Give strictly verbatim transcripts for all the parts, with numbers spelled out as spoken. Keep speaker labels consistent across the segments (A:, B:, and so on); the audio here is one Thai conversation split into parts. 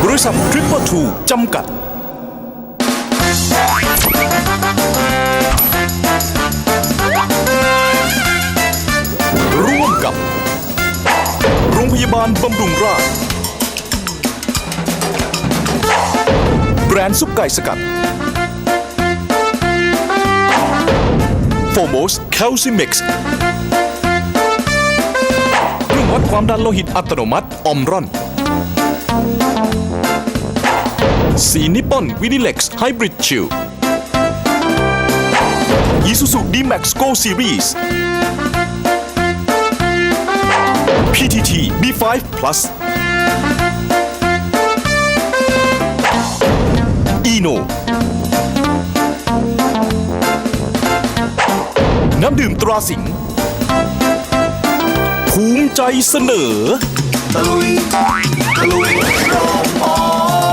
A: บริษัททริปเปอร์ทูจำกัดร่วมกับโรงพยาบาลบำรุงราษฎร์แบรนด์ซุปไก่สกัดโฟโมสแคลซิมิกซ์เครื่องวัดความดันโลหิตอัตโนมัติออมรอนสีนิปปอนวินิเล็กซ์ไฮบริดชิลอีซูซู D-Max Go Series พี ที ที บี ไฟว์ Plus อีโนน้ำดื่มตราสิงห์ภูมิใจเสนอตะลุยตะลุยโรงหมอ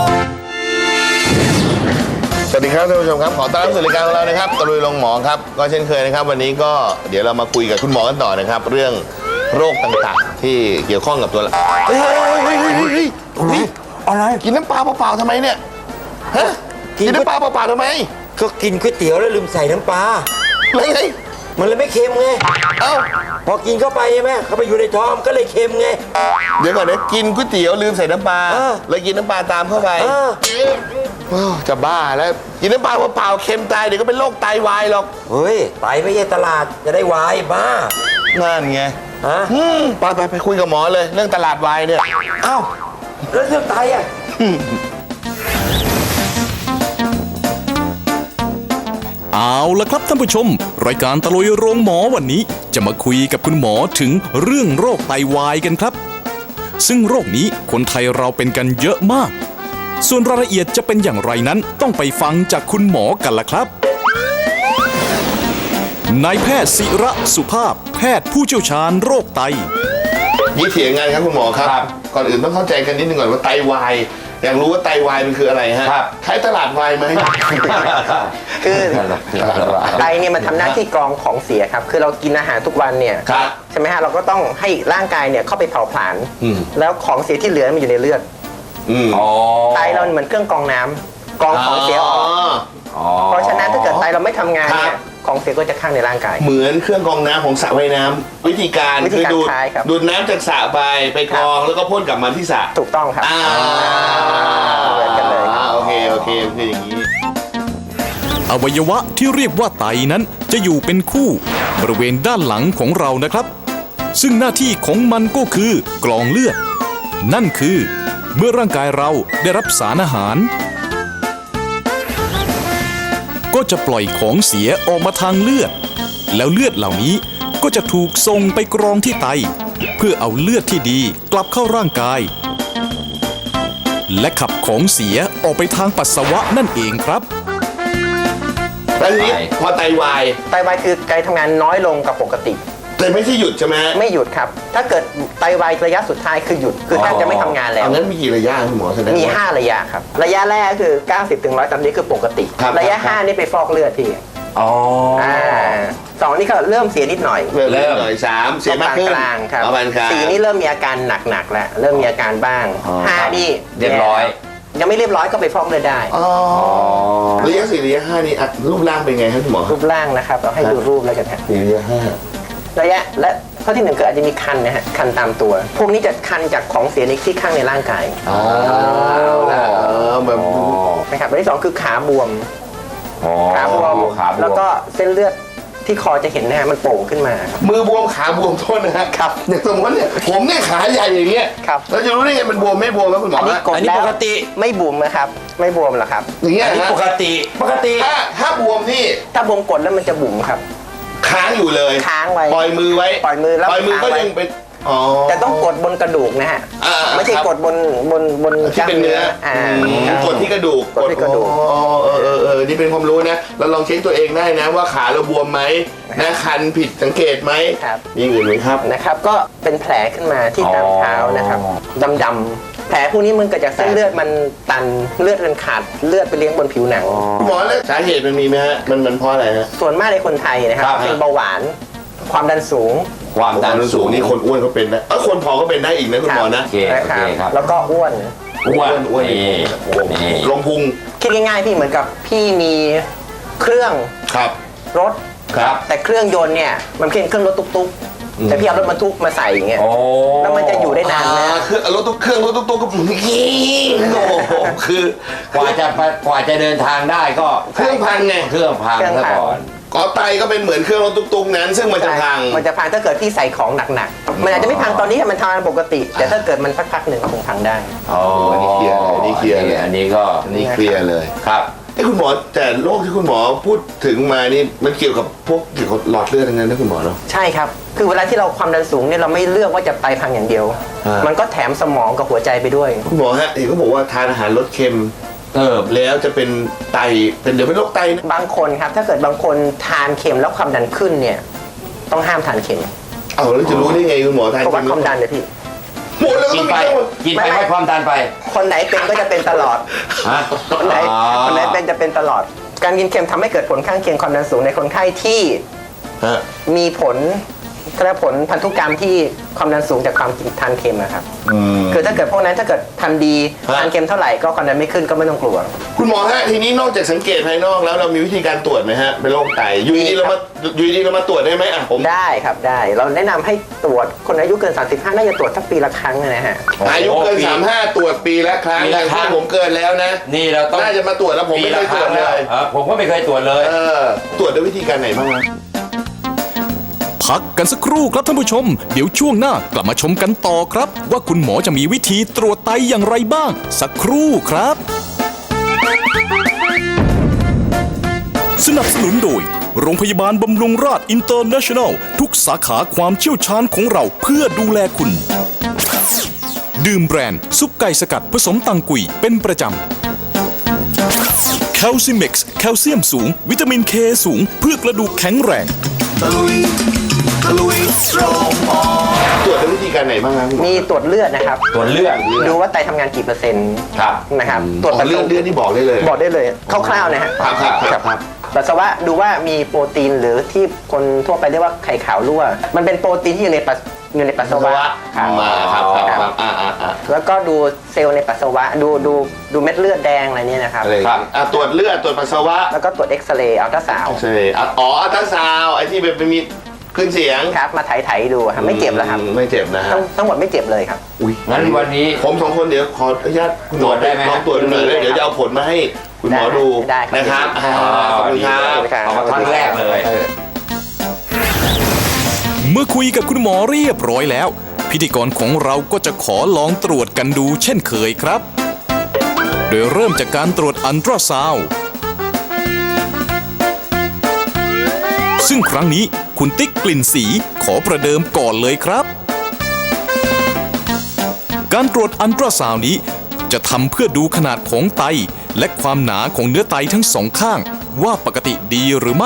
B: สวัสดีครับท่านผู้ชมครับขอต้อนรับสู่รายการของเรานะครับตะลุยโรงหมอครับก็เช่นเคยนะครับวันนี้ก็เดี๋ยวเรามาคุยกับคุณหมอกันต่อนะครับเรื่องโรคต่างๆที่เกี่ยวข้องกับตัวเราเฮ้ยเฮ้ยเฮ้ยเฮ้ยเฮ้ยนี่อะไรกินน้ำปลาเปล่าๆทำไมเนี่ยฮะกินน้ำปลาเปล่าๆทำไม
C: ก็กินก๋วยเตี๋ยวแล้วลืมใส่น้ำปลา
B: แล้วไง
C: มันเลยไม่เค็มไงเอ้าพอกินเข้าไปใช่ไหมเข้าไปอยู่ในท้องก็เลยเค็มไง
B: เดี๋ยวก่อนนะกินก๋วยเตี๋ยวลืมใส่น้ำปลาเลยกินน้ำปลาตามเข้าไปจะบ้าแล้วกินน้ำปลาเปล่าๆเค็มตายเดี๋ยวก็เป็นโรคไตวายหรอก
C: เฮ้ยไตไม่ใช่ตลาดจะได้วายบ้า
B: นั่นไง
C: ฮะ
B: ไปไปไปคุยกับหมอเลยเรื่องตลาดวายเนี่ย
C: เอ้าแล้วเรื่องไตอ่ะ
A: เอาละครับท่านผู้ชมรายการตะลุยโรงหมอวันนี้จะมาคุยกับคุณหมอถึงเรื่องโรคไตวายกันครับซึ่งโรคนี้คนไทยเราเป็นกันเยอะมากส่วนรายละเอียดจะเป็นอย่างไรนั้นต้องไปฟังจากคุณหมอกันล่ะครับนายแพทย์ศิระสุภาพแพทย์ผู้เชี่ยวชาญโรคไต
B: นี่เถียงงานครับคุณหมอครับก่อนอื่นต้องเข้าใจกันนิดนึงก่อนว่าไตวายอยากรู้ว่าไตวายมันคืออะไรฮะใช้ตลาดวายไหม
D: คือไตเนี่ยมันทำหน้าที่กรองของเสียครับคือเรากินอาหารทุกวันเนี่ยใช่ไหมฮะเราก็ต้องให้ร่างกายเนี่ยเข้าไปเผาผลาญแล้วของเสียที่เหลือมันอยู่ในเลือดไตเราเหมือนเครื่องกรองน้ำกรองของเสียออกเพราะฉะนั้นถ้าเกิดไตเราไม่ทำงานเนี่ยของเสียก็จะข้างในร่างกาย
B: เหมือนเครื่องกรองน้ำของสระว่ายน้ำวิธีการคือดูดดูดน้ำจากสระไปไปกรองแล้วก็พ่นกลับมาที่สระ
D: ถูกต้องครับ
B: เหมือนกันเลยโอเคโอเคคืออย่างนี้
A: อวัยวะที่เรียกว่าไตนั้นจะอยู่เป็นคู่บริเวณด้านหลังของเรานะครับซึ่งหน้าที่ของมันก็คือกรองเลือดนั่นคือเมื่อร่างกายเราได้รับสารอาหารก็จะปล่อยของเสียออกมาทางเลือดแล้วเลือดเหล่านี้ก็จะถูกส่งไปกรองที่ไตเพื่อเอาเลือดที่ดีกลับเข้าร่างกายและขับของเสียออกไปทางปัสสาวะนั่นเองครับ
B: แล้วนี้พอไตวาย
D: ไตวายคือไตทำงานน้อยลงกับปกติ
B: แต่ไม่ใช่หยุดใช่ไหม
D: ไม่หยุดครับถ้าเกิดไตวายระยะสุดท้ายคือหยุดคือแทบจะไม่ทำงานแล้ว
B: นั้นมีกี่ระยะคุณหมอแสดง
D: มีห้าระยะครับระยะแรกคือ เก้าสิบถึงหนึ่งร้อย สามสิบคือปกติระยะห้านี่ไปฟอกเลือดที่
B: อ๋ออ่า
D: สองนี่ก็เริ่มเสียนิดหน่อย
B: เริ่มหน่อยสามเสียมากขึ้น
D: กลางครับสี่นี่เริ่มมีอาการหนักๆแล้วเริ่มมีอาการบ้างห้านี่
C: เรียบร้อย
D: ยังไม่เรียบร้อยก็ไปฟอกเลือดได้
B: อ๋อระยะสี่ระยะห้านี่รูปร่างเป็นไงครับคุณหมอ
D: รูปร่างนะครับเราให้ดูรูปแล้วกันฮะ
B: ระยะห้า
D: ระยะและข้อที่หนึ่งคืออาจจะมีคันนะฮะคันตามตัวพวกนี้จะคันจากของเสียในที่ข้างในร่างกาย
B: อ๋อแบบ
D: นะครับอันที่สองคือขาบวมขาบวมแล้วก็เส้นเลือดที่คอจะเห็นนะฮะมันโป่งขึ้นมา
B: มือบวมขาบวมโทษนะฮะ
D: ครับ
B: อย่างสมมติเนี่ยผมเนี่ยขาใหญ่อย่างเงี้ยเราจะรู้ได้ไงมันบวมไม่บวมแล้วคุณหมออันนี้
D: กดแล้วปกติไม่บวมนะครับไม่บวมหรอครับ
B: อย่างเงี้ย
C: ปกติปกติ
B: ถ้าถ้าบวมนี่
D: ถ้าบวมกดแล้วมันจะบุ๋มครับ
B: ค้างอยู่เลย
D: ค้างไว้
B: ปล่อยมือไว้
D: ปล่อยมือแล้ว
B: ปล่อยมือก็ยังเป็นอ๋อ
D: แต่ต้องกดบนกระดูกนะฮะไม่ใช่กดบนบนบน
B: ที่เป็นเนื้อกดที่กระดูก
D: กดที่กระดูก
B: อ๋อเออเออเออนี่เป็นความรู้นะเราลองเช็คตัวเองได้นะว่าขาเราบวมไหมนะคันผิดสังเกตไหมมีอื่นไหมครับ
D: นะครับก็เป็นแผลขึ้นมาที่ตามเท้านะครับดำๆแผลพวกนี้มันเกิดจากเส้นเลือดมันตันเลือดมันขาดเลือดไปเลี้ยงบนผิวหนัง
B: หมอแล้วสาเหตุมันมีไหมฮะมันมันเพราะอะไรฮะ
D: ส่วนมากในคนไทยนะครับเป็นเบาหวานความดันสูง
B: ความดันสูงนี่คนอ้วนก็เป็นนะเออคนผอมก็เป็นได้อีกนะคุณหมอนะ
D: นะครับแล้วก็อ้วน
B: อ้วนอ้วน
C: นี่นี่
B: ลงพุง
D: คิดง่ายๆพี่เหมือนกับพี่มีเครื่อง
B: ครับ
D: รถ
C: ครับ
D: แต่เครื่องยนต์เนี่ยมันเป็นเครื่องรถตุ๊กๆแต่พี่เอารถบรรทุกมาใส่อย่างเงี้ย
C: โอ้
D: แล้วมันจะอยู่ได้นานนะ
B: อ่าคือรถตุ๊กเครื่องรถตุ๊กตุ๊กก็โอ้โหคือก
C: ว่าจะไปกว่าจะเดินทางได้ก็
B: เครื่องพังไง
C: เครื่องพัง
D: เครื่อง
C: ซะ
D: พัง
C: ก่อน
B: ก็ไตก็เป็นเหมือนเครื่องรถตุ๊กตุ๊กนั้น ซึ่งมันจะพัง
D: มันจะพังถ้าเกิดพี่ใส่ของหนักๆมันอาจจะไม่พังตอนนี้มันทำงานปกติ แต่ถ้าเกิดมันสักพักหนึ่งก็คงพังได้
C: อ๋อ
B: อันนี้เคลียร์เลยอันนี้เคลียร์เลย
C: อันนี้ก็
B: อันนี้เคลียร์เลย
C: ครับ
B: ไอ้คุณหมอแต่โรคที่คุณหมอพูดถึงมานี่มันเกี่ยวกับพวกเกี่ยวกับหลอดเลือดทั้งนั้นนะคุณหมอเนาะ
D: ใช่ครับ คือเวลาที่เราความดันสูงเนี่ยเราไม่เลือกว่าจะไตพังอย่างเดียว
B: ฮะ
D: มันก็แถมสมองกับหัวใจไปด้วย
B: คุณหมอฮะเห็นเขาบอกว่าทานอาหารลดเค็ม
C: เออ
B: แล้วจะเป็นไตเป็นเดี๋ยวเป็นโรคไตนะ
D: บางคนครับถ้าเกิดบางคนทานเค็มแล้วความดันขึ้นเนี่ยต้องห้ามทานเค็ม
B: เอาแล้วจะรู้ได้ไงคุณหมอทาน
D: เพราะวัด
B: เค็
D: ความดันเลยพี่
B: หมดแล้ว
C: กิ
B: ก็
C: น
B: ต้อง
C: ไป
B: มี
C: กินไป
D: ไม่ไม่
C: ให้ความดันไป
D: คนไหนเป็นก็จะเป็นตลอด
C: ฮะ
D: คนไหน
C: อ๋อ
D: คนไหนเป็นจะเป็นตลอด การกินเค็มทำให้เกิดผลข้างเคียงความดันสูงในคนไข้ที่
B: ฮะ
D: มีผลกระผลพันธุกรรมที่ความดันสูงจากความกินทานเค็มนะครับ
B: อืม
D: คือถ้าเกิดพวกนั้นถ้าเกิดทานดี
B: ฮะ
D: ทานเค็มเท่าไหร่ก็ความดันไม่ขึ้นก็ไม่ต้องกลัว
B: คุณหมอฮะทีนี้นอกจากสังเกตภายนอกแล้วเรามีวิธีการตรวจไหมฮะเป็นโรคไตอยู่ดีๆเรามาอยู่ดีๆเรามาตรวจได้ไหมอ่ะผม
D: ได้ครับได้เราแนะนำให้ตรวจคนอายุเกิน สามสิบห้า น่าจะตรวจสักปีละครั้งนะฮะ
B: อายุเกิน
C: โอ้
B: สามห้าตรวจปีละครั้ง
C: ปีละครั้ง
B: ถ้าผมเกินแล้วนะ
C: นี่เราต้อง
B: น่าจะมาตรวจแล้วผมไม่เคยตรวจเลย
C: ออผมก็ไม่เคยตรวจเลย
B: เออตรวจด้วยวิธีการไหนบ้างฮะ
A: พักกันสักครู่ครับท่านผู้ชม เดี๋ยวช่วงหน้ากลับมาชมกันต่อครับ ว่าคุณหมอจะมีวิธีตรวจไตอย่างไรบ้าง สักครู่ครับ สนับสนุนโดย โรงพยาบาลบำรุงราษอินเตอร์เนชั่นแนล ทุกสาขาความเชี่ยวชาญของเราเพื่อดูแลคุณ ดื่มแบรนด์ซุปไก่สกัดผสมตังกุยเป็นประจำแคลซิเม็กซ์แคลเซียมสูง วิตามินเคสูง เพื่อกระดูกแข็งแรง
B: ตรวจด้วยวิธีการไหนบ้างครับคุณหมอ
D: มีตรวจเลือดนะครับ
C: ตรวจเลือด
D: ดูว่าไตทำงานกี่เปอร์เซ็นต์
C: ครับ
D: นะครับต
B: ต
D: ร
B: ร
D: ว
B: ว
D: จ
B: จ
D: ปัส
B: เลื
D: สา
B: อด
D: วะ
B: เลือดนี่บอกได้เลย
D: บอกได้เลยคร่าวๆนะฮะ
B: ครับครับครับครับ
D: ปัสสาวะดูว่ามีโปรตีนหรือที่คนทั่วไปเรียกว่าไข่ขาวรั่ว มันเป็นโปรตีนที่อยู่ในปัสอยู่ในปัสสาวะครับ
B: มาครับครับครับอ่าอ่าอ่า
D: แล้วก็ดูเซลล์ในปัสสาวะดูดูดูเม็ดเลือดแดงอะไรเนี่ยนะครับ
B: อะไรครับอ่ะตรวจเลือดตรวจปัสสาวะ
D: แล้วก็ตรวจเอ็กซเรย์อัลตราซาวด์
B: ใช่อ่ะอ๋ออัลตราซาวด์ไอ้ที่เป็นมีขึ้นเสียง
D: ครับมาไถๆดูครับไม่เจ็บแล้วครับ
B: อืมไม่เจ็บนะฮะ
D: ทั้งทั้งหมดไม่เจ็บเลยครับ
B: อุ้ย
C: งั้นวันนี้
B: ผมสองคนเดี๋ยวขออนุญาตคุณหมอ
C: ตรวจได้ไหม
B: ลองตรวจดูหน่อย
D: ได้
B: แล้วเดี๋ยวจะเอาผลมาให้คุณหมอดู
D: ได้ครับ
B: นะครับ
D: ได้
B: อ่า
D: ครับ
B: ขอบคุณครับ
C: เอามาครั้งแรกเลย
A: เมื่อคุยกับคุณหมอเรียบร้อยแล้ว พิธีกรของเราก็จะขอลองตรวจกันดูเช่นเคยครับ โดยเริ่มจากการตรวจอัลตราซาวด์ซึ่งครั้งนี้คุณติ๊กกลิ่นสีขอประเดิมก่อนเลยครับ การตรวจอัลตราซาวด์นี้จะทำเพื่อดูขนาดของไต และความหนาของเนื้อไตทั้งสองข้างว่าปกติดีหรือไม่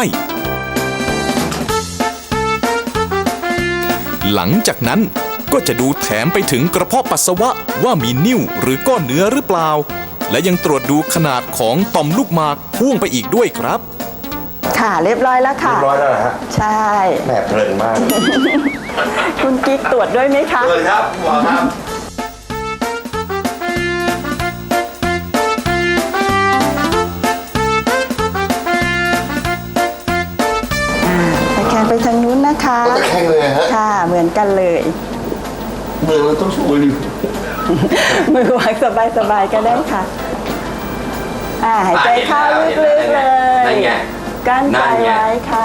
A: หลังจากนั้นก็จะดูแถมไปถึงกระเพาะปัสสาวะว่ามีนิ่วหรือก้อนเนื้อหรือเปล่า และยังตรวจดูขนาดของต่อมลูกหมากพ่วงไปอีกด้วยครับ
E: ค่ะเรียบร้อยแล้วค่ะ
C: ร้อยแล้วเหรอฮะ
E: ใช่
C: แม่เพลินมาก
E: คุณกิ๊กตรวจด้วยไหมคะ
B: เลยครับหมอครับ
E: ตะแคงไปทางนู้นนะคะ
B: ก็ตะแคงเลยฮะ
E: ค่ะ เหมือนกันเลย
B: เมืองเราต้องช่วยดิ
E: มือวางสบายๆก็ได้ค่ะ อ่าหายใจเข้าลึกๆเลย
C: นั่นไง
E: กั้น
C: นั่
E: ใจ
C: นไง
E: ไว้ค่ะ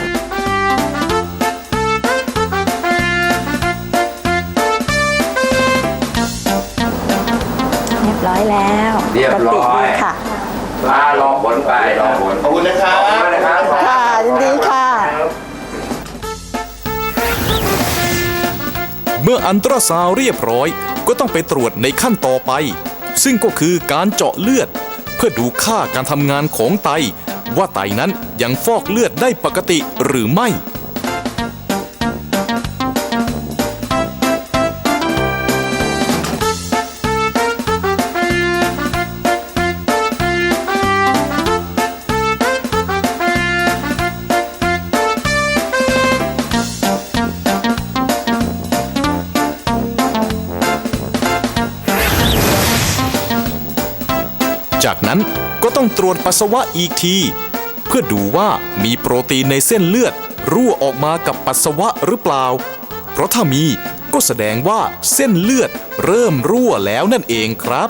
E: เรียบร้อยแล้ว
C: เรียบร้อย
E: ปกติดีค่ะ
C: มารอผลไปรอผล
B: ขอบคุณนะครับ
C: ขอบคุณนะครับ
E: ค่ะยินดีค่ะ
A: เมื่ออัลตราซาวด์เรียบร้อยก็ต้องไปตรวจในขั้นต่อไป ซึ่งก็คือการเจาะเลือด เพื่อดูค่าการทำงานของไต ว่าไตนั้นยังฟอกเลือดได้ปกติหรือไม่จากนั้นก็ต้องตรวจปัสสาวะอีกที เพื่อดูว่ามีโปรตีนในเส้นเลือดรั่วออกมากับปัสสาวะหรือเปล่า เพราะถ้ามีก็แสดงว่าเส้นเลือดเริ่มรั่วแล้วนั่นเองครับ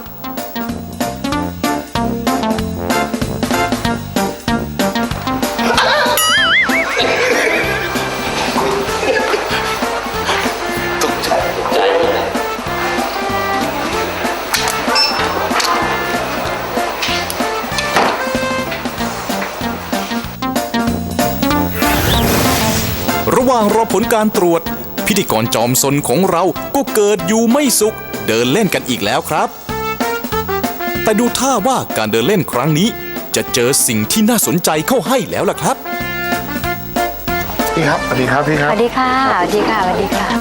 A: ระหว่างรอผลการตรวจพิธีกรจอมซนของเราก็เกิดอยู่ไม่สุขเดินเล่นกันอีกแล้วครับ แต่ดูท่าว่าการเดินเล่นครั้งนี้จะเจอสิ่งที่น่าสนใจเข้าให้แล้วล่ะครับ
B: พี่ครับสวัสดีครับพี่ค
F: ส
B: รับ
F: วัสดีค่ะ สวัสดีค่ะ สวัสดีค่ะ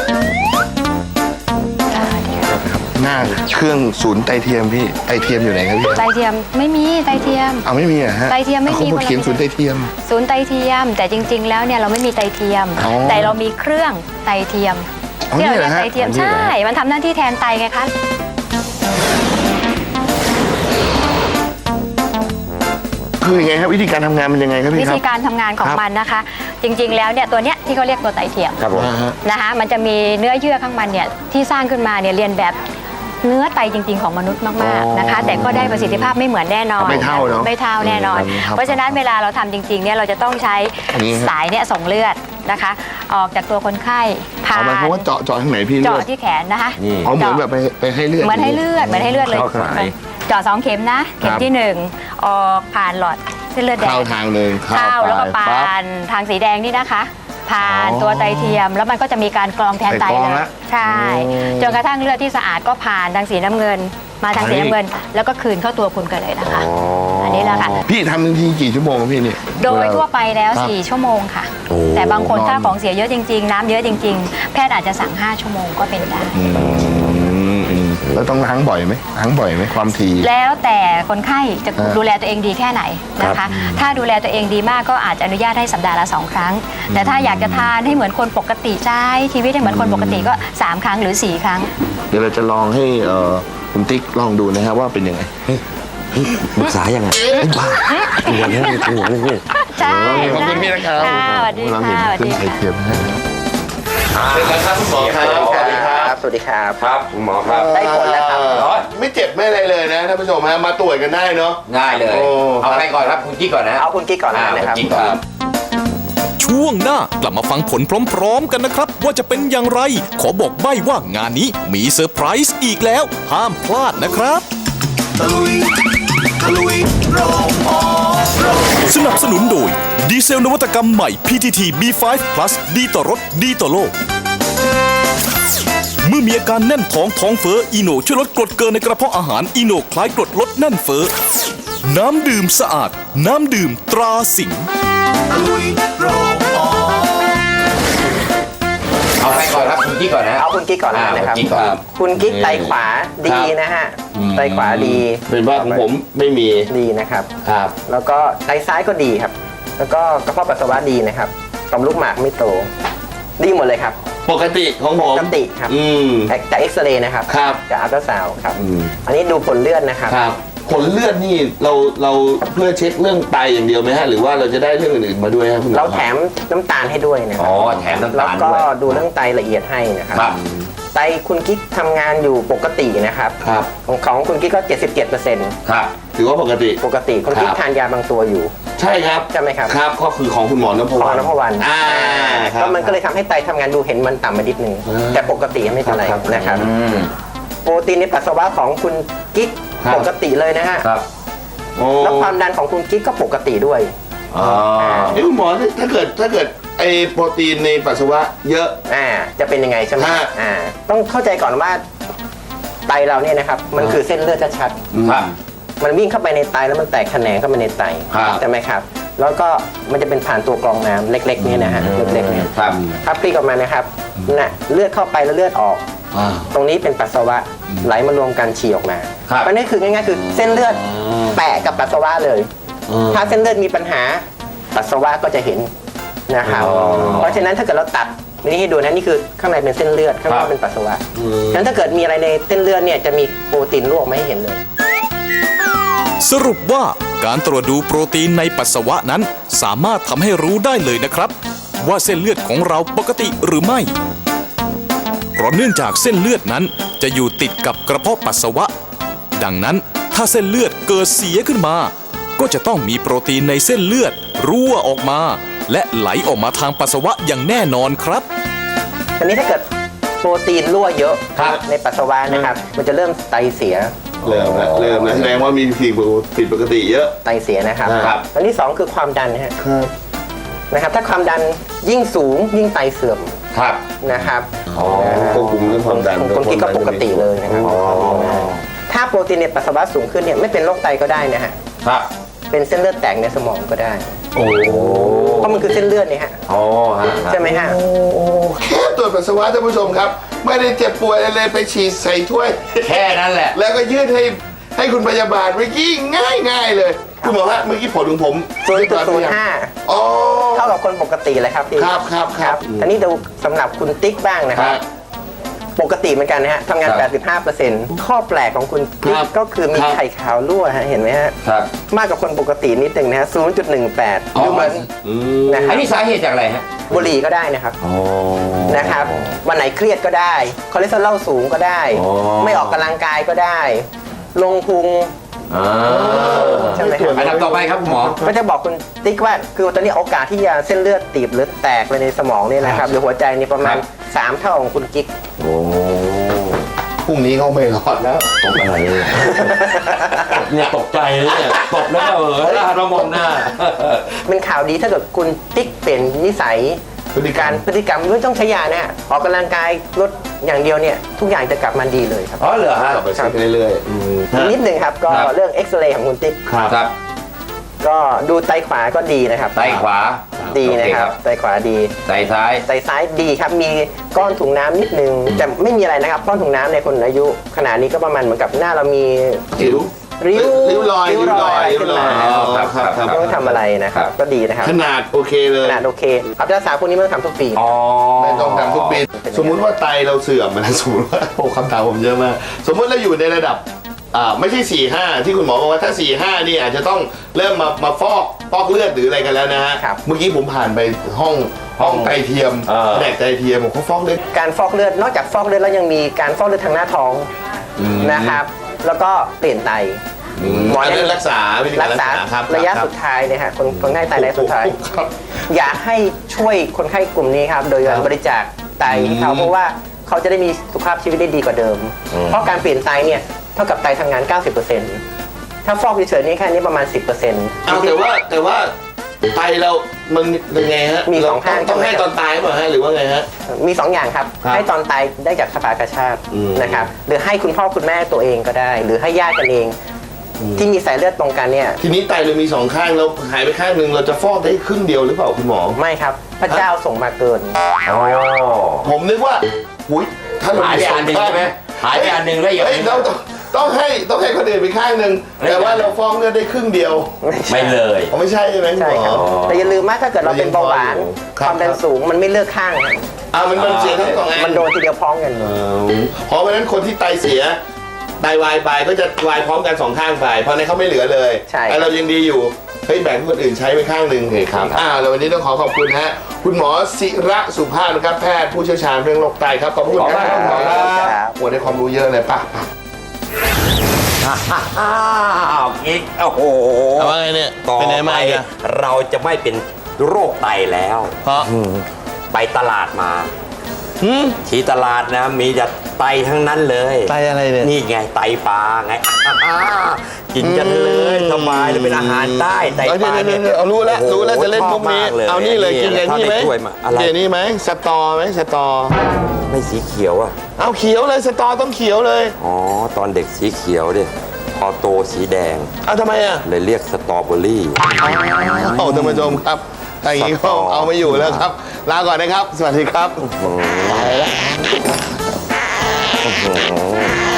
B: หน้าเครื่องศูนย์ไตเทียมพี่ไตเทียมอยู่ไหนครับพี่
F: ไตเทียมไม่มีไตเทียม
B: เอาไม่มีอะฮะ
F: ไตเทียมไม่มี
B: เขาบอกเขียนศูนย์ไตเทียม
F: ศูนย์ไตเทียม แต่จริง ๆ แล้วเนี่ยเราไม่มีไตเทียม
B: อ๋อ
F: แต่เรามีเครื่องไตเทียม
B: อ๋อ
F: ที่เรา
B: นี่
F: เรี
B: เหร
F: ย
B: อก ฮะ
F: ไตเทียม
B: อันนี้เหรอ
F: ใช่ มันทำหน้าที่แทนไตไงคะ
B: คือยังไงครับวิธีการทำงานมันยังไงครับพี่
F: วิ
B: ครับ
F: ธีการทำงานของ
B: ครับ
F: มันนะคะ จริง ๆ แล้วเนี่ยตัวเนี้ยที่เขาเรียกตัวไตเทียม
C: ครับผม
B: อ่าฮะ
F: นะคะมันจะมีเนื้อเยื่อข้างมันเนี่ยที่สร้างขึ้นมาเนี่ยเรียนแบบเนื้อไตจริง ๆ ของมนุษย์มากๆนะคะ แต่ก็ได้ประสิทธิภาพไม่เหมือนแน่นอน
B: ไม่เท่าเนอะ
F: ไม่เท่าแน่นอน
B: ครับ
F: เพราะฉะนั้นเวลาเราทำจริงๆเนี่ยเราจะต้องใช้
B: อันนี้ฮะ
F: สายเนี่ยส่งเลือดนะคะ ออกจากตัวคนไข้ผ่า
B: เอาหมายความ
F: น
B: ว่าเจาะเจาะทางไหนพี่เลื
F: เจาะ
B: อด
F: ที่แขนนะคะ
C: นี่
B: อ๋อเหมือนแบบไปไปให้เลือด
F: เหมือนให้เลือดเหมือนให้เลือดเลย
C: เข้าสาย
F: เจาะสองเข็มนะ เข็มที่หนึ่งออกผ่านหลอดเส้นเลือดแดง
B: เข้าทางหนึ่ง
F: เข้าแล้วก็
B: ไป
F: ผ่
B: ปั๊บ
F: านทางสีแดงนี่นะคะ ผ่าน
B: อ๋อ
F: ตัวไตเทียม แล้วมันก็จะมีการกรองแทนไต
B: ไปกรอง
F: เลย
B: ละ
F: ใช่จนกระทั่งเลือดที่สะอาดก็ผ่านทางสีน้ำเงิน มาทางสีน้ำเงิน แล้วก็คืนเข้าตัวคุณกันเลยนะคะ อันนี้แหละค่ะ
B: พี่ทำทันทีกี่ชั่วโมงครับพี่นี่
F: โดยทั่วไปแล้ว
B: ครับ
F: สี่ ชั่วโมงค่ะ
B: โอ้
F: แต่บางคน
B: นอน
F: ถ้าของเสียเยอะจริง ๆ น้ำเยอะจริง ๆ แพทย์อาจจะสั่ง ห้า ชั่วโมงก็เป็นได้
B: อืมอืมแล้วต้องล้างบ่อยไหมล้างบ่อยไหมความถี่
F: แล้วแต่คนไข้จะ
B: อ่า
F: ดูแลตัวเองดีแค่ไหนนะคะ ถ้าดูแลตัวเองดีมากก็อาจจะอนุญาตให้สัปดาห์ละสองครั้ง แต่ถ้าอยากจะทานให้เหมือนคนปกติใช้ชีวิตให้เหมือนคนปกติก็สามครั้งหรือสี่ครั้ง
B: เดี๋ยวเราจะลองให้เอ่อคุณติ๊กลองดูนะครับว่าเป็นยังไง
C: ปรึกษายังไงไอ้บ้าตัวเนี้ยตัวเนี้ย
F: ใช่
B: ขอบคุณพี่นะครับ
F: ค่ะสวัสดี
B: เราเห็น
F: ค่ะสวัส
B: เครื่
F: ดี
B: องไต
F: ค่ะ
B: เทียมนะฮะเป็นไงครับคุณหมอครับ
D: สวัสดีครับ สวัสดีครับ
C: ครับคุณหมอครับ
D: ได้ผลแล้วครับ
B: ไม่เจ็บไม่อะไรเลยนะท่านผู้ชมฮะมาตรวจกันได้เนาะ
C: ง่ายเลย
B: โอ้
C: เอาไปก่อนครับคุณกิ๊กก่อนนะ
D: เอาคุณกิ๊กก่อนแล้วกันนะครับ
C: อ่าณกิ๊กก่อน
A: ช่วงหน้ากลับมาฟังผลพร้อมๆกันนะครับ ว่าจะเป็นอย่างไร ขอบอกใบ้ว่างานนี้มีเซอร์ไพรส์อีกแล้ว ห้ามพลาดนะครับ สนับสนุนโดย ดีเซลนวัตกรรมใหม่ พี ที ที บี ไฟว์ plus ดีต่อรถดีต่อโลก เมื่อมีอาการแน่นท้องท้องเฟ้ออีโนช่วยลดกรดเกินในกระเพาะอาหารอีโนคล้ายกรดลดแน่นเฟ้อน้ำดื่มสะอาด น้ำดื่มตราสิงห์
C: เอาไปก่อนครับคุณกิ๊กก่อนนะ
D: เอาคุณกิ๊กก่อนแล้วกันนะครับ
C: อ่าคุณกิ๊กก่อน
D: คุณกิ๊กไตขวาดีนะฮะ ไตขวาดี
B: เป็นว่าของผมไม่มี
D: ดีนะครับ
B: ครับ
D: แล้วก็ไตซ้ายก็ดีครับ แล้วก็กระเพาะปัสสาวะดีนะครับต่อมลูกหมากไม่โต ดีหมดเลยครับ
B: ปกติของผม
D: ปกติครับ
B: อืม
D: จากจากเอ็กซเรย์นะครับ
B: ครับ
D: จากอัลตราซาวด์ครับ
B: อืม
D: อันนี้ดูผลเลือดนะครับ
B: ครับผลเลือดนี่เราเราเพื่อเช็คเรื่องไตอย่างเดียวไหมฮะหรือว่าเราจะได้เรื่องอื่นๆมาด้วยครับคุณหมอ
D: เราแถมน้ำตาลให้ด้วยนะค
C: อ๋
D: รั
C: อแถมน้ำ
D: แล้ว
C: ตาล
D: ก็
C: ด้วย
D: ดูเรื่องไตละเอียดให้นะครับ
C: ครับ
D: ไตคุณกิ๊กทำงานอยู่ปกตินะครับ
B: ครับ
D: ของของคุณกิ๊กก็ เจ็ดสิบเจ็ดเปอร์เซ็นต์
C: ครับ
B: ถือว่าปกติ
D: ปกติคุณกิ๊ก
B: ครับ
D: ทานยาบางตัวอยู่
B: ใช่ครับ
D: ใช่ไหมครับ
B: ครับก็คือของคุณหมอนพ
D: พ
B: ว
D: อ
B: รรณ
D: นพวัน
B: อ่าครับ
D: ก็มันก็เลยทำให้ไตทำงานดูเห็นมันต่ำไปนิดนึง
B: อ่า
D: แต่ปกติไม่เป็นไร
B: ครับ
D: นะครับ
C: อืม
D: โปรตีนในปัสสาวะของคุณกิ๊ก
B: ครับ
D: ปกติเลยนะฮะ
C: ครับ
B: โอ้
D: แล้วความดันของคุณกิ๊กก็ปกติด้วย
C: อ๋อ
B: เอ้ยคุณหมอถ้าถ้าเกิดถ้าเกิดไอโปรตีนในปัสสาวะเยอะ
D: อ่าจะเป็นยังไงใช่ไหม
B: ฮะ
D: อ่าต้องเข้าใจก่อนว่าไตเราเนี่ยนะครับมันคือเส้นเลือดชัด
C: ครับ
D: ๆมันวิ่งเข้าไปในไตแล้วมันแตกแขนงเข้าไปในไต
B: ครับ
D: ใช่ไหมครับแล้วก็มันจะเป็นผ่านตัวกรองน้ำเล็กๆเนี่ยนะฮะเล็กๆเนี่ย
C: ครับ
D: ครับพลิกออกมานะครับน่ะเลือดเข้าไปแล้วเลือดออก
B: อ่า
D: ตรงนี้เป็นปัสสาวะไหลมารวมกันฉี่ออกมา
C: ครับ
D: มันนี่คือง่ายๆคือเส้นเลือดแปะกับปัสสาวะเลย
B: อืม
D: ถ้าเส้นเลือดมีปัญหาปัสสาวะก็จะเห็นนะครับ
B: อ๋อ
D: เพราะฉะนั้นถ้าเกิดเราตัดนี่ให้ดูนะนี่คือข้างในเป็นเส้นเลือดข้างนอกเป็นปัสสาวะฉะนั้นถ้าเกิดมีอะไรในเส้นเลือดเนี่ยจะมีโปรตีนรั่วออกมาให้เห็นเลย
A: สรุปว่าการตรวจดูโปรตีนในปัสสาวะนั้นสามารถทำให้รู้ได้เลยนะครับ ว่าเส้นเลือดของเราปกติหรือไม่ เพราะเนื่องจากเส้นเลือดนั้นจะอยู่ติดกับกระเพาะปัสสาวะ ดังนั้นถ้าเส้นเลือดเกิดเสียขึ้นมา ก็จะต้องมีโปรตีนในเส้นเลือดรั่วออกมา และไหลออกมาทางปัสสาวะอย่างแน่นอนครับ
D: อันนี้ถ้าเกิดโปรตีนรั่วเยอะในปัสสาวะนะครับ มันจะเริ่มไตเสีย
B: เริ่มแล้วเริ่มแล้วแสดงว่ามีสิ่งผิดปกติเยอะ
D: ไตเสียนะครับ
B: ครับ
D: อันที่สองคือความดันนะฮะนะครับ ถ้าความดันยิ่งสูงยิ่งไตเสื่อม
B: ครับ
D: นะครับ
B: อ๋อควบคุมเรื่องความดัน
D: คนกินก็ปกติเลยนะครับถ้าโปรตีนในปัสสาวะสูงขึ้นเนี่ยไม่เป็นโรคไตก็ได้นะฮะ
B: ครับ
D: เป็นเส้นเลือดแตกในสมองก็ได้
B: โอ้
D: เพราะมันคือเส้นเลือดเนี่ยฮะ
C: อ๋อฮะ
D: ใช่ไหมฮะ
B: แค่ตรวจปัสสาวะท่านผู้ชมครับ ไม่ได้เจ็บป่วยอะไรเลยไปฉีดใส่ถ้วย
C: แค่นั้นแหละ
B: แล้วก็ยื่นให้ให้คุณพยาบาลเมื่อกี้ง่ายง่ายๆเลยคุณหมอฮะเมื่อกี้ผลของผม
D: ศูนย์จุดศูนย์ห้า
B: อ๋อ
D: เท่ากับคนปกติเลยครับพี่
B: ครับครับครับ
D: อันนี้ดูสำหรับคุณติ๊กบ้างนะค
B: ค
D: รั
B: รับ บ
D: ปกติเหมือนกันนะฮะทำงาน
C: ครับ
D: แปดสิบห้าเปอร์เซ็นต์ ข้อแปลกของคุณติ๊
B: ค
D: ก
B: รับ
D: ก็คือมี
B: ครับ
D: ไข่ขาวรั่วฮะเห็นไหมฮะ
C: ครับ
D: มากกว่าคนปกตินิดหนึ่งนะฮะ ศูนย์จุดหนึ่งแปด
C: อ๋อ
D: ดูเหมือนนะค
C: อั
D: รั
C: น
D: บ
C: นี้สาเหตุจากอะไรฮะ
D: บุหรี่ก็ได้นะครับ
C: อ๋อ
D: นะครับ วันไหนเครียดก็ได้ คอเลสเตอรอลสูงก็ได้
C: อ๋อ
D: ไม่ออกกำลังกายก็ได้ ลงพุง
C: อ่า
D: ใช่ไหมครับ
C: อันดับต่อไปครับคุณหมอ
D: ก็จะบอกคุณติ๊กว่าคือตอนนี้โอกาสที่จะเส้นเลือดตีบหรือแตกไปในสมองเนี่ยนะครับหรือหัวใจนี่ประมาณ
C: ครับ
D: สามเท่าของคุณกิ๊ก
C: โอ้
B: พรุ่งนี้เขาไม่รอดแล้ว
C: ตกอะไรเนี่ยเนี่ยตกใจเลยเนี่ยตกแล้วก็เออแล้วหันมามองหน้า
D: เป็นข่าวดีถ้าเกิดคุณติ๊กเปลี่ยนนิสัย
B: พฤติกรรม
D: พฤติกรรมไม่ต้องใช้ยานะออกกำลังกายลดอย่างเดียวเนี่ยทุกอย่างจะกลับมาดีเลยครับ
C: อ๋อเหรอฮะ
B: กลับไปเช็คเรื่อยๆอืม
D: อีกนิดหนึ่งครับก็
C: ครับ
D: เรื่องเอ็กซเรย์ของคุณติ๊ก
C: ครับ
D: ก็ดูไตขวาก็ดีนะครับ
C: ไตขวา
D: ดีนะครับ
C: โอเ
D: ไตขวาดี
C: ไตซ้าย
D: ไตซ้ายดีครับมีก้อนถุงน้ำนิดนึงแต่ไม่มีอะไรนะครับก้อนถุงน้ำในคนอายุขนาดนี้ก็ประมาณเหมือนกับหน้าเรามี
B: ริ้ว
D: ริ้ว
B: ริ้วรอย
D: ริ้วรอย
B: ริ้
D: ขึ้
B: วน รอย
D: มา
B: อ๋อครับครับครับ
D: ไม่ต้องทำอะไรนะครับ ก็ดีนะครับ
B: ขนาดโอเคเลย
D: ขนาดโอเคครับรักษาพวกนี้ไม่ต้องทำทุกปี
C: อ๋อ
B: ไม่ต้องทำทุกปีสมมุติว่าไตเราเสื่อมนะสมมติว่าโอ้คำถามผมเยอะมาก สมมติเราอยู่ในระดับอ่าไม่ใช่สี่ห้าที่คุณหมอบอกว่าถ้าสี่ห้านี่อาจจะต้องเริ่มมามาฟอกฟอกเลือดหรืออะไรกันแล้วนะฮะ
D: ครับ
B: เมื่อกี้ผมผ่านไปห้องห้องไตเทียม
C: เออ
B: แผนกไตเทียมผมเขาฟอกเลือด
D: การฟอกเลือดนอกจากฟอกเลือดแล้วยังมีการฟอกเลือดทางหน้าท้องนะครับ แล้วก็เปลี่ยนไต หมอ
B: อัน
D: แนะ
B: นี้
D: นำ
B: รักษาวิธีการรักษาครับ
D: ระยะ
B: คบ
D: สุดท้ายเนี่ยฮะคนคนไข้ไตระยะสุดท้าย
B: ครับ
D: อยากให้ช่วยคนไข้กลุ่มนี้ครับ โดยการ
B: ครับ
D: บริจาคไตให้เขาเพราะว่าเขาจะได้มีสุขภาพชีวิตได้ดีกว่าเดิม เพราะการเปลี่ยนไตเนี่ยเท่ากับไตทำงาน เก้าสิบเปอร์เซ็นต์ ถ้าฟอกเฉยๆนี่แค่นี้ประมาณ สิบเปอร์เซ็นต์
B: เอาแต่ว่าแต่ว่าไตเรามันเป็นไงฮะ
D: มีสองข้าง
B: ต้องให้ตอนตายเปล่าฮะหรือว่าไงฮะ
D: มีสองอย่างครับ
B: ครับ
D: ให้ตอนตายได้จากสภากาชาติ
B: อืม
D: นะครับ หรือให้คุณพ่อคุณแม่ตัวเองก็ได้ หรือให้ญาติกันเอง ที่มีสายเลือดตรงกันเนี่ย
B: ทีนี้ไตเรามีสองข้างเราหายไปข้างหนึ่งเราจะฟอกได้ครึ่งเดียวหรือเปล่าคุณหมอ
D: ไม่ครับ พระเจ้าส่งมาเกิน
B: ผมนึกว่าหุยถ้าเรา
C: หายไปอันหนึ่งใช่ไหมหายไปอันหนึ่งแล้วอีกอัน
B: เฮ้ย
C: หนึ่ง
B: เราต้องต้องให้ต้องให้คนอื่นไปข้างหนึ่ง
C: เฮ้ย
B: แต่ว่าเราฟอกเลือดได้ครึ่งเดียว
C: ไม่เลย
B: อ๋อไม่ใช่ใช่ไหมคุณ
D: ใช่
B: หม
D: ครับ
B: อ
D: แต่อย่าลืมว่าถ้าเกิดเราเป็นเบาหวาน
B: ครับ
D: ความดันสูงมันไม่เลือกข้างครับ
B: อ่ามันมันเสียทั้งสองอัน
D: มันโดนทีเดียวพร้อมกัน
B: เออเพราะฉะนั้นคนที่ไตเสียไตวายไปก็จะวายพร้อมกันสองข้างไปเพราะในนเขาไม่เหลือเลย
D: ใช่
B: แต่เรายังดีอยู่เฮ้ยแบ่งให้คนอื่นใช้ไปข้างหนึ่งโอเคครับอ่าแล้ววันนี้ต้องขอขอบคุณฮะคุณหมอศิระสุภาพนะครับแพทย์ผู้เชี่ยวชาญเรื่องโรคไตครับขอบคุณครับคุณหมอครับโอ้ได้ความรู้เยอะเลยป่ะ
C: อ้าวกิ๊กโอ้โห
B: เอาว่าไงเนี่ย
C: ต่อ
B: เป็นไง
C: ไป
B: มาอีกอะ
C: เราจะไม่เป็นโรคไตแล้ว
B: เพราะ
C: ไปตลาดมา
B: หืม
C: ที่ตลาดนะมีแต่ไตทั้งนั้นเลย
B: ไตอะไรเนี่ย
C: นี่ไงไตปลาไงอ่ากินกันเลยสบายเลยเป็นอาหารใต้ไตปลาเนี่ย
B: เอารู้แล้ว
C: โอ้โห
B: รู้แล้วจะเล่นมุกนี้
C: ชอบมากเลย
B: เอานี่เลยกินอย่างนี้ไหม
C: ถ้าได้ถ้วยมาอะไร
B: กินนี่ไหมสตอไหมสตอ
C: ไม่สีเขียวอ่ะ
B: เอาเขียวเลยสตอต้องเขียวเลย
C: อ๋อตอนเด็กสีเขียวดิพอโตสีแดง
B: เอาทำไมอ่ะ
C: เลยเรียกสตรอเบอรี่
B: โอ้ท่านผู้ชมครับถ้าอย่างนี้ก็เอาไม่อยู่แล้วครับ ลาก่อนนะครับ สวัสดีครับไปแล้ว